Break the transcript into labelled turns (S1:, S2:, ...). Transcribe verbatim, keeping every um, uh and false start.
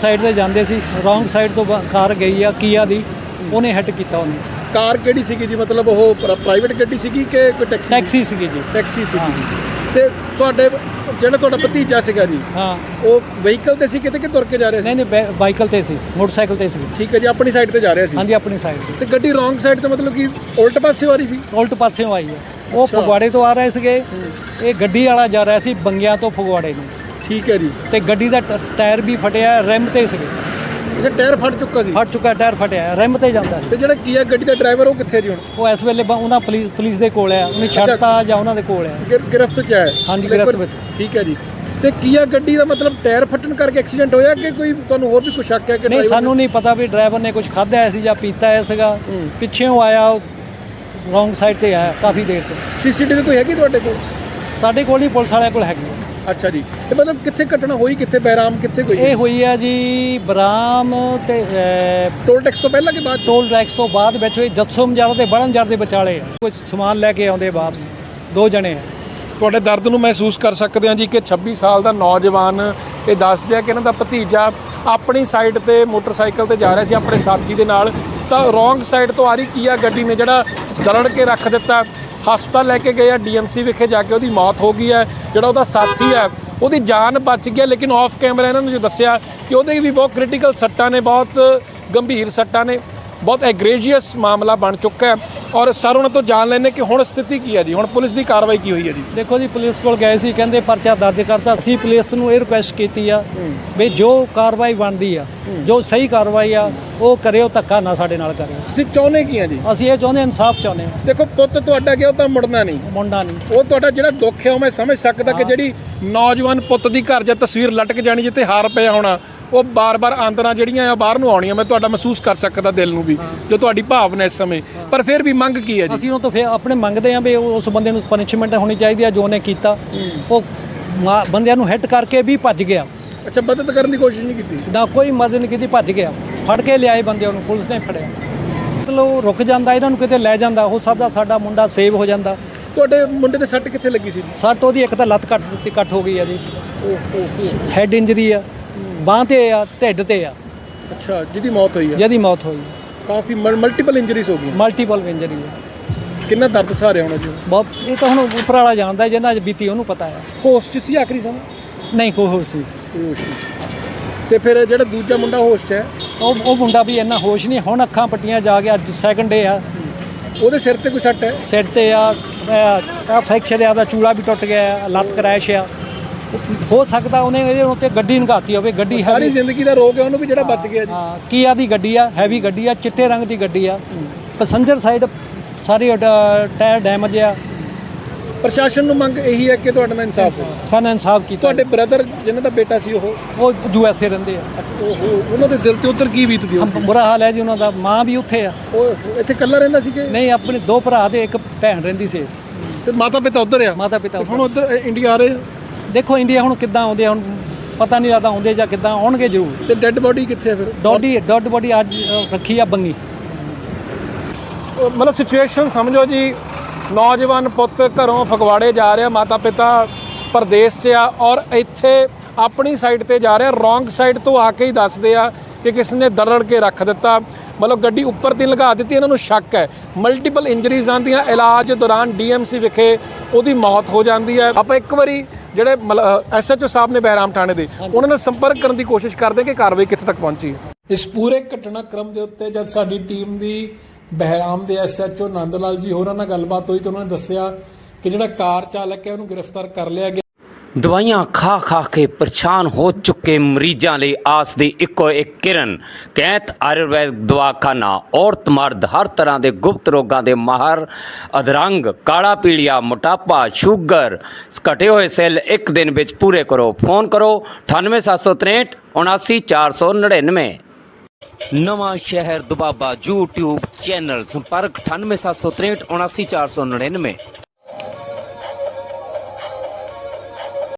S1: Side ਤੇ ਜਾਂਦੇ ਸੀ, wrong side ਤੋਂ ਬ- ਕਾਰ ਗਈ ਆ ਕੀਆ ਦੀ, ਉਹਨੇ ਹਿੱਟ ਕੀਤਾ ਉਹਨੂੰ।
S2: ਕਾਰ ਕਿਹੜੀ ਸੀਗੀ ਜੀ? ਮਤਲਬ ਉਹ ਪ੍ਰਾਈਵੇਟ ਗੱਡੀ ਸੀਗੀ ਕਿ ਕੋਈ ਟੈਕਸੀ?
S1: ਟੈਕਸੀ ਸੀਗੀ ਜੀ।
S2: ਟੈਕਸੀ ਸੀਗੀ। ਤੇ ਤੁਹਾਡੇ ਜਿਹੜਾ ਤੁਹਾਡਾ ਭਤੀਜਾ ਸੀਗਾ ਜੀ,
S1: ਹਾਂ,
S2: ਉਹ ਵਹੀਕਲ ਤੇ ਸੀ ਕਿਤੇ ਕਿ ਤੁਰ ਕੇ ਜਾ ਰਿਹਾ ਸੀ?
S1: ਨਹੀਂ ਨਹੀਂ ਬੈ- ਬਾਈਕਲ ਤੇ ਸੀ, ਮੋਟਰਸਾਈਕਲ ਤੇ ਸੀ।
S2: ਠੀਕ ਹੈ ਜੀ, ਆਪਣੀ ਸਾਈਡ ਤੇ ਜਾ ਰਿਹਾ ਸੀ।
S1: ਹਾਂਜੀ, ਆਪਣੀ ਸਾਈਡ ਤੇ।
S2: ਤੇ ਗੱਡੀ ਰੋਂਗ ਸਾਈਡ ਤੇ ਮਤਲਬ ਕਿ ਉਲਟ ਪਾਸੇ ਆ ਰਹੀ ਸੀ?
S1: ਉਲਟ ਪਾਸਿਓਂ ਆਈ ਹੈ। ਉਹ
S2: ਅੱਛਾ।
S1: ਫਗਵਾੜੇ ਤੋਂ ਆ ਰਹੇ ਸੀਗੇ, ਇਹ ਗੱਡੀ ਵਾਲਾ ਜਾ ਰਿਹਾ ਸੀ ਬੰਗਿਆਂ ਤੋਂ ਫਗਵਾੜੇ ਨੂੰ,
S2: ਠੀਕ ਹੈ ਜੀ।
S1: ਤੇ ਗੱਡੀ ਦਾ ਟ- ਟਾਇਰ ਵੀ ਫਟਿਆ, ਰਿਮ ਤੇ ਸੀਗੇ।
S2: ਅੱਛਾ, ਟਾਇਰ ਫਟ ਚੁੱਕਾ ਸੀ?
S1: ਫਟ ਚੁੱਕਾ ਟਾਇਰ, ਫਟਿਆ, ਰਿਮ ਤੇ ਜਾਂਦਾ ਸੀ।
S2: ਤੇ ਜਿਹੜਾ ਕੀ ਹੈ ਗੱਡੀ ਦਾ ਡਰਾਈਵਰ, ਉਹ ਕਿੱਥੇ ਜੀ ਹੁਣ?
S1: ਉਹ ਇਸ ਵੇਲੇ ਬ- ਉਹਨਾਂ ਪੁਲਿਸ ਪੁਲਿਸ ਦੇ ਕੋਲ ਆ, ਉਹਨੇ ਛੱਡਤਾ ਜਾਂ ਉਹਨਾਂ ਦੇ ਕੋਲ ਆ।
S2: ਗਿਰ- ਗਿਰਫਤ ਚ ਹੈ?
S1: ਹਾਂਜੀ, ਗਿਰਫਤ ਵਿੱਚ।
S2: ਠੀਕ ਹੈ ਜੀ। ਤੇ ਕੀਆ ਗੱਡੀ ਦਾ ਮਤਲਬ ਟਾਇਰ ਫਟਣ ਕਰਕੇ ਐਕਸੀਡੈਂਟ ਹੋਇਆ ਕਿ ਕੋਈ ਤੁਹਾਨੂੰ ਹੋਰ ਵੀ ਕੁਝ ਸ਼ੱਕ ਹੈ ਕਿ
S1: ਨਹੀਂ,
S2: driver
S1: ਸਾਨੂੰ ਨਹੀਂ ਪਤਾ ਵੀ ਡਰਾਈਵਰ ਨੇ ਕੁਝ ਖਾਧਾ ਹੈ ਸੀ ਜਾਂ ਪੀਤਾ ਹੈ ਸੀਗਾ।
S2: ਹੂੰ।
S1: ਪਿੱਛੇੋਂ ਆਇਆ, ਰੋਂਗ ਸਾਈਡ ਤੇ ਆਇਆ ਕਾਫੀ ਦੇਰ ਤੋਂ।
S2: ਸੀਸੀਟੀਵੀ ਕੋਈ ਹੈਗੀ ਤੁਹਾਡੇ ਕੋਲ?
S1: ਸਾਡੇ ਕੋਲ ਨਹੀਂ, ਪੁਲਿਸ ਵਾਲਿਆਂ ਕੋਲ ਹੈਗੀ ਆ।
S2: ਅੱਛਾ ਜੀ। ਤੇ ਮਤਲਬ ਕਿੱਥੇ ਘਟਨਾ ਹੋਈ, ਕਿੱਥੇ ਬਹਿਰਾਮ, ਕਿੱਥੇ ਕੋਈ?
S1: ਇਹ ਹੋਈ ਆ ਜੀ ਬਰਾਮ ਤੇ ਅਹ,
S2: ਟੋਲ ਟੈਕਸ ਤੋਂ ਪਹਿਲਾਂ ਕਿ ਬਾਅਦ?
S1: ਟੋਲ ਟੈਕਸ ਤੋਂ ਬਾਅਦ ਵਿੱਚ ਹੋਈ। ਜੱਸੋ ਮਜਾਰਾ ਤੇ ਬੜਨਜਰ ਦੇ ਵਿਚਾਲੇ ਆ। ਕੁਝ ਸਮਾਨ ਲੈ ਕੇ ਆਉਂਦੇ ਵਾਪਸ, ਦੋ ਜਣੇ ਆ।
S2: ਤੁਹਾਡੇ ਦਰਦ ਨੂੰ ਮਹਿਸੂਸ ਕਰ ਸਕਦੇ ਹਾਂ ਜੀ ਕਿ ਛੱਬੀ ਸਾਲ ਦਾ ਨੌਜਵਾਨ ਇਹ ਦੱਸਦੇ ਆ ਕਿ ਇਹਨਾਂ ਦਾ ਭਤੀਜਾ ਆਪਣੀ ਸਾਈਡ ਤੇ ਮੋਟਰਸਾਈਕਲ ਤੇ ਜਾ ਰਿਹਾ ਸੀ ਆਪਣੇ ਸਾਥੀ ਦੇ ਨਾਲ, ਤਾਂ ਰੋਂਗ ਸਾਈਡ ਤੋਂ ਆ ਰਹੀ ਕੀਆ ਗੱਡੀ ਨੇ ਜਿਹੜਾ ਦਰੜ ਕੇ ਰੱਖ ਦਿੱਤਾ। ਹਸਪਤਾਲ ਲੈ ਕੇ ਗਏ ਆ, ਡੀਐਮਸੀ ਵਿਖੇ ਜਾ ਕੇ ਉਹਦੀ ਮੌਤ ਹੋ ਗਈ ਹੈ। ਜਿਹੜਾ ਉਹਦਾ ਸਾਥੀ ਹੈ ਉਹਦੀ ਜਾਨ ਬਚ ਗਈ, ਲੇਕਿਨ ਆਫ ਕੈਮਰਾ ਇਹਨਾਂ ਨੂੰ ਜੋ ਦੱਸਿਆ ਕਿ ਉਹਦੇ ਵੀ ਬਹੁਤ ਕ੍ਰਿਟੀਕਲ ਸੱਟਾਂ ਨੇ, ਬਹੁਤ ਗੰਭੀਰ ਸੱਟਾਂ ਨੇ, ਬਹੁਤ ਐਗਰੇਜੀਅਸ ਮਾਮਲਾ ਬਣ ਚੁੱਕਾ ਹੈ। ਔਰ ਸਰ ਉਹਨਾਂ ਤੋਂ ਜਾਣ ਲੈਣੇ ਕਿ ਹੁਣ ਸਥਿਤੀ ਕੀ ਹੈ ਜੀ, ਹੁਣ ਪੁਲਿਸ ਦੀ ਕਾਰਵਾਈ ਕੀ ਹੋਈ ਹੈ ਜੀ?
S1: ਦੇਖੋ ਜੀ, ਪੁਲਿਸ ਕੋਲ ਗਏ ਸੀ, ਕਹਿੰਦੇ ਪਰਚਾ ਦਰਜ ਕਰਤਾ। ਅਸੀਂ ਪੁਲਿਸ ਨੂੰ ਇਹ ਰਿਕੁਐਸਟ ਕੀਤੀ ਆ ਵੀ ਜੋ ਕਾਰਵਾਈ ਬਣਦੀ ਆ, ਜੋ ਸਹੀ ਕਾਰਵਾਈ ਆ ਉਹ ਕਰਿਓ, ਧੱਕਾ ਨਾ ਸਾਡੇ ਨਾਲ ਕਰਿਓ।
S2: ਤੁਸੀਂ ਚਾਹੁੰਦੇ ਕੀ ਆ ਜੀ?
S1: ਅਸੀਂ ਇਹ ਚਾਹੁੰਦੇ, ਇਨਸਾਫ ਚਾਹੁੰਦੇ ਆ।
S2: ਦੇਖੋ, ਪੁੱਤ ਤੁਹਾਡਾ ਗਿਆ, ਉਹ ਤਾਂ ਮੁੜਨਾ ਨਹੀਂ।
S1: ਮੁੰਡਾ ਨਹੀਂ,
S2: ਉਹ ਤੁਹਾਡਾ ਜਿਹੜਾ ਦੁੱਖ ਹੈ ਉਹ ਮੈਂ ਸਮਝ ਸਕਦਾ ਕਿ ਜਿਹੜੀ ਨੌਜਵਾਨ ਪੁੱਤ ਦੀ ਘਰ ਜਾਂ ਤਸਵੀਰ ਲਟਕ ਜਾਣੀ ਜਿੱਥੇ ਹਾਰ ਪਿਆ ਹੋਣਾ, ਉਹ ਬਾਰ-ਬਾਰ ਆਂਦਰਾਂ ਜਿਹੜੀਆਂ ਆ ਬਾਹਰ ਨੂੰ ਆਉਣੀਆਂ, ਮੈਂ ਤੁਹਾਡਾ ਮਹਿਸੂਸ ਕਰ ਸਕਦਾ ਦਿਲ ਨੂੰ ਵੀ, ਜੋ ਤੁਹਾਡੀ ਭਾਵਨਾ ਇਸ ਸਮੇਂ। ਪਰ ਫਿਰ ਵੀ ਮੰਗ ਕੀ ਹੈ ਜੀ?
S1: ਅਸੀਂ ਉਹ ਤੋਂ ਫਿਰ ਆਪਣੇ ਮੰਗਦੇ ਆ ਵੀ ਉਸ ਬੰਦੇ ਨੂੰ ਪਨਿਸ਼ਮੈਂਟ ਹੋਣੀ ਚਾਹੀਦੀ ਆ ਜੋ ਉਹਨੇ ਕੀਤਾ। ਉਹ ਮਾ- ਬੰਦਿਆਂ ਨੂੰ ਹਿੱਟ ਕਰਕੇ ਵੀ ਭੱਜ ਗਿਆ।
S2: ਅੱਛਾ, ਮਦਦ ਕਰਨ ਦੀ ਕੋਸ਼ਿਸ਼ ਨਹੀਂ ਕੀਤੀ?
S1: ਨਾ ਕੋਈ ਮਦਦ ਨਹੀਂ ਕੀਤੀ, ਭੱਜ ਗਿਆ। ਫੜ ਕੇ ਲਿਆਏ ਬੰਦਿਆਂ ਨੂੰ, ਪੁਲਿਸ ਨੇ ਫੜਿਆ। ਮਤਲਬ ਉਹ ਰੁਕ ਜਾਂਦਾ, ਇਹਨਾਂ ਨੂੰ ਕਿਤੇ ਲੈ ਜਾਂਦਾ, ਹੋ ਸਕਦਾ ਸਾਡਾ ਮੁੰਡਾ ਸੇਵ ਹੋ ਜਾਂਦਾ।
S2: ਤੁਹਾਡੇ ਮੁੰਡੇ ਦੇ ਸੱਟ ਕਿੱਥੇ ਲੱਗੀ ਸੀ?
S1: ਸੱਟ ਉਹਦੀ ਇੱਕ ਤਾਂ ਲੱਤ ਕੱਟ ਦਿੱਤੀ, ਕੱਟ ਹੋ ਗਈ ਆ ਜੀ। ਹੈਡ ਇੰਜਰੀ ਆ, ਬਾਂਹ ਤੇ ਆ, ਢਿੱਡ ਤੇ ਆ,
S2: ਅੱਛਾ, ਜਿਹਦੀ ਮੌਤ ਹੋਈ ਹੈ?
S1: ਜਿਹਦੀ ਮੌਤ ਹੋਈ।
S2: ਕਾਫੀ ਮਲਟੀਪਲ ਇੰਜਰੀਜ਼ ਹੋ ਗਈਆਂ।
S1: ਮਲਟੀਪਲ ਇੰਜਰੀ ਆ।
S2: ਕਿੰਨਾ ਦਰਦ ਸਹਾਰਿਆ ਹੋਣਾ ਜੀ?
S1: ਬਹੁਤ। ਇਹ ਤਾਂ ਹੁਣ ਉੱਪਰ ਵਾਲਾ ਜਾਣਦਾ, ਜਿਹਨਾਂ 'ਚ ਬੀਤੀ ਉਹਨੂੰ ਪਤਾ ਆ।
S2: ਹੋਸ਼ 'ਚ ਸੀ ਆਖਰੀ ਸਮਾਂ?
S1: ਨਹੀਂ, ਕੋਈ ਹੋਸ਼ ਨਹੀਂ।
S2: ਹੋਸ਼ ਨਹੀਂ। ਤੇ ਫਿਰ ਜਿਹੜਾ ਦੂਜਾ ਮੁੰਡਾ ਹੋਸ਼ 'ਚ ਹੈ,
S1: ਉਹ ਉਹ ਮੁੰਡਾ ਵੀ ਇੰਨਾ ਹੋਸ਼ ਨਹੀਂ, ਹੁਣ ਅੱਖਾਂ ਪੱਟੀਆਂ ਜਾ ਕੇ, ਅੱਜ ਸੈਕਿੰਡ ਡੇ ਆ।
S2: ਉਹਦੇ ਸਿਰ ਤੇ ਕੋਈ ਸੱਟ ਹੈ?
S1: ਸਿਰ ਤੇ ਆ, ਆ ਫ੍ਰੈਕਚਰ ਆ, ਦਾ ਚੂਲਾ ਵੀ ਟੁੱਟ ਗਿਆ ਆ, ਲੱਤ ਕਰੈਸ਼ ਆ। ਹੋ ਸਕਦਾ ਉਹਨੇ ਇਹਦੇ ਉੱਤੇ ਗੱਡੀ ਨਗਾਤੀ ਹੋਵੇ। ਗੱਡੀ
S2: ਸਾਰੀ ਜ਼ਿੰਦਗੀ ਦਾ ਰੋਗ ਹੈ ਉਹਨੂੰ ਵੀ, ਜਿਹੜਾ ਬਚ ਗਿਆ ਜੀ।
S1: ਹਾਂ, ਕੀਆ ਦੀ ਗੱਡੀ ਆ, ਹੈਵੀ ਗੱਡੀ ਆ, ਚਿੱਟੇ ਰੰਗ ਦੀ ਗੱਡੀ ਆ। ਪੈਸੰਜਰ ਸਾਈਡ ਸਾਰੀ ਟਾਇਰ ਡੈਮੇਜ ਆ।
S2: ਪ੍ਰਸ਼ਾਸਨ ਨੂੰ ਮੰਗ ਇਹੀ ਹੈ ਕਿ ਤੁਹਾਡੇ ਨਾਲ ਇਨਸਾਫ ਹੋ।
S1: ਸਾਨੂੰ ਇਨਸਾਫ ਕੀਤਾ।
S2: ਤੁਹਾਡੇ ਬ੍ਰਦਰ ਜਿਨ੍ਹਾਂ ਦਾ ਬੇਟਾ ਸੀ, ਉਹ
S1: ਉਹ ਯੂ ਐਸ ਏ ਰਹਿੰਦੇ ਆ।
S2: ਅੱਛਾ, ਉਹ ਉਹਨਾਂ ਦੇ ਦਿਲ ਤੇ ਉੱਧਰ ਕੀ ਬੀਤਦੀ ਹੋਊ?
S1: ਬੁਰਾ ਹਾਲ ਹੈ ਜੀ ਉਹਨਾਂ ਦਾ। ਮਾਂ ਵੀ ਉੱਥੇ ਆ।
S2: ਉਹ ਇੱਥੇ ਇਕੱਲਾ ਰਹਿੰਦਾ ਸੀ ਕਿ
S1: ਨਹੀਂ, ਆਪਣੇ ਦੋ ਭਰਾ ਤੇ ਇੱਕ ਭੈਣ ਰਹਿੰਦੀ ਸੀ।
S2: ਤੇ ਮਾਤਾ ਪਿਤਾ ਉੱਧਰ ਆ?
S1: ਮਾਤਾ ਪਿਤਾ
S2: ਹੁਣ ਉੱਧਰ ਇੰਡੀਆ ਆ ਰਹੇ ਆ?
S1: ਦੇਖੋ ਇੰਡੀਆ ਹੁਣ ਕਿੱਦਾਂ ਆਉਂਦੇ ਆ, ਹੁਣ ਪਤਾ ਨਹੀਂ ਲੱਗਦਾ ਆਉਂਦੇ ਜਾਂ ਕਿੱਦਾਂ ਆਉਣਗੇ ਜ਼ਰੂਰ।
S2: ਤੇ ਡੈੱਡ ਬੋਡੀ ਕਿੱਥੇ ਆ ਫਿਰ?
S1: ਡੋਡੀ ਡੈਡ ਬੋਡੀ ਅੱਜ ਅ, ਰੱਖੀ ਆ ਬੰਗੀ।
S2: ਮਤਲਬ ਸਿਚੁਏਸ਼ਨ ਸਮਝੋ ਜੀ, ਨੌਜਵਾਨ ਪੁੱਤ ਘਰੋਂ ਫਗਵਾੜੇ ਜਾ ਰਿਹਾ, ਮਾਤਾ ਪਿਤਾ ਪ੍ਰਦੇਸ਼ 'ਚ ਆ, ਔਰ ਇੱਥੇ ਆਪਣੀ ਸਾਈਡ ਤੇ ਜਾ ਰਿਹਾ। ਰੋਂਗ ਸਾਈਡ ਤੋਂ ਆ ਕੇ ਹੀ ਦੱਸਦੇ ਆ ਕਿ ਕਿਸ ਨੇ ਦਰੜ ਕੇ ਰੱਖ ਦਿੱਤਾ। ਮਤਲਬ ਗੱਡੀ ਉੱਪਰ ਦੀ ਲਗਾ ਦਿੱਤੀ। ਇਹਨਾਂ ਨੂੰ ਸ਼ੱਕ ਹੈ ਮਲਟੀਪਲ ਇੰਜਰੀਜ਼ ਆਉਂਦੀਆਂ। ਇਲਾਜ ਦੌਰਾਨ ਡੀਐਮਸੀ ਵਿਖੇ ਉਹਦੀ ਮੌਤ ਹੋ ਜਾਂਦੀ ਹੈ। ਆਪਾਂ ਇੱਕ ਵਾਰੀ ਜਿਹੜੇ ਐਸਐਚਓ ਸਾਹਿਬ ਨੇ ਬਹਿਰਾਮ ਥਾਣੇ ਦੇ, ਉਹਨਾਂ ਨਾਲ ਸੰਪਰਕ ਕਰਨ ਦੀ ਕੋਸ਼ਿਸ਼ ਕਰਦੇ ਕਿ ਕਾਰਵਾਈ ਕਿੱਥੇ ਤੱਕ ਪਹੁੰਚੀ ਹੈ। ਇਸ ਪੂਰੇ ਘਟਨਾਕ੍ਰਮ ਦੇ ਉੱਤੇ ਜਦ ਸਾਡੀ ਟੀਮ ਦੀ ਬਹਿਰਾਮ ਦੇ ਐਸਐਚਓ ਨੰਦ ਲਾਲ ਜੀ ਹੋਰਾਂ ਨਾਲ ਗੱਲਬਾਤ ਹੋਈ ਤਾਂ ਉਹਨਾਂ ਨੇ ਦੱਸਿਆ ਕਿ ਜਿਹੜਾ ਕਾਰ ਚਾਲਕ ਹੈ ਉਹਨੂੰ ਗ੍ਰਿਫਤਾਰ ਕਰ ਲਿਆ ਗਿਆ।
S3: ਦਵਾਈਆਂ ਖਾ ਖਾ ਕੇ ਪਰੇਸ਼ਾਨ ਹੋ ਚੁੱਕੇ ਮਰੀਜ਼ਾਂ ਲਈ ਆਸ ਦੀ ਇੱਕੋ ਇੱਕ ਕਿਰਨ ਕੈਂਤ ਆਯੁਰਵੈਦ ਦਵਾਖਾਨਾ। ਔਰਤ ਮਰਦ ਹਰ ਤਰ੍ਹਾਂ ਦੇ ਗੁਪਤ ਰੋਗਾਂ ਦੇ ਮਾਹਰ। ਅਧਰੰਗ, ਕਾਲਾ ਪੀਲੀਆ, ਮੋਟਾਪਾ, ਸ਼ੂਗਰ, ਘਟੇ ਹੋਏ ਸੈੱਲ ਇੱਕ ਦਿਨ ਵਿੱਚ ਪੂਰੇ ਕਰੋ। ਫੋਨ ਕਰੋ ਅਠਾਨਵੇਂ ਸੱਤ ਸੌ ਤਰੇਂਹਠ ਉਨਾਸੀ ਚਾਰ ਸੌ ਨੜਿਨਵੇਂ। ਨਵਾਂ ਸ਼ਹਿਰ ਦੁਬਾਬਾ YouTube ਚੈਨਲ। ਸੰਪਰਕ ਅਠਾਨਵੇਂ ਸੱਤ ਸੌ ਤਰੇਂਹਠ ਉਨਾਸੀ ਚਾਰ ਸੌ ਨੜਿਨਵੇਂ।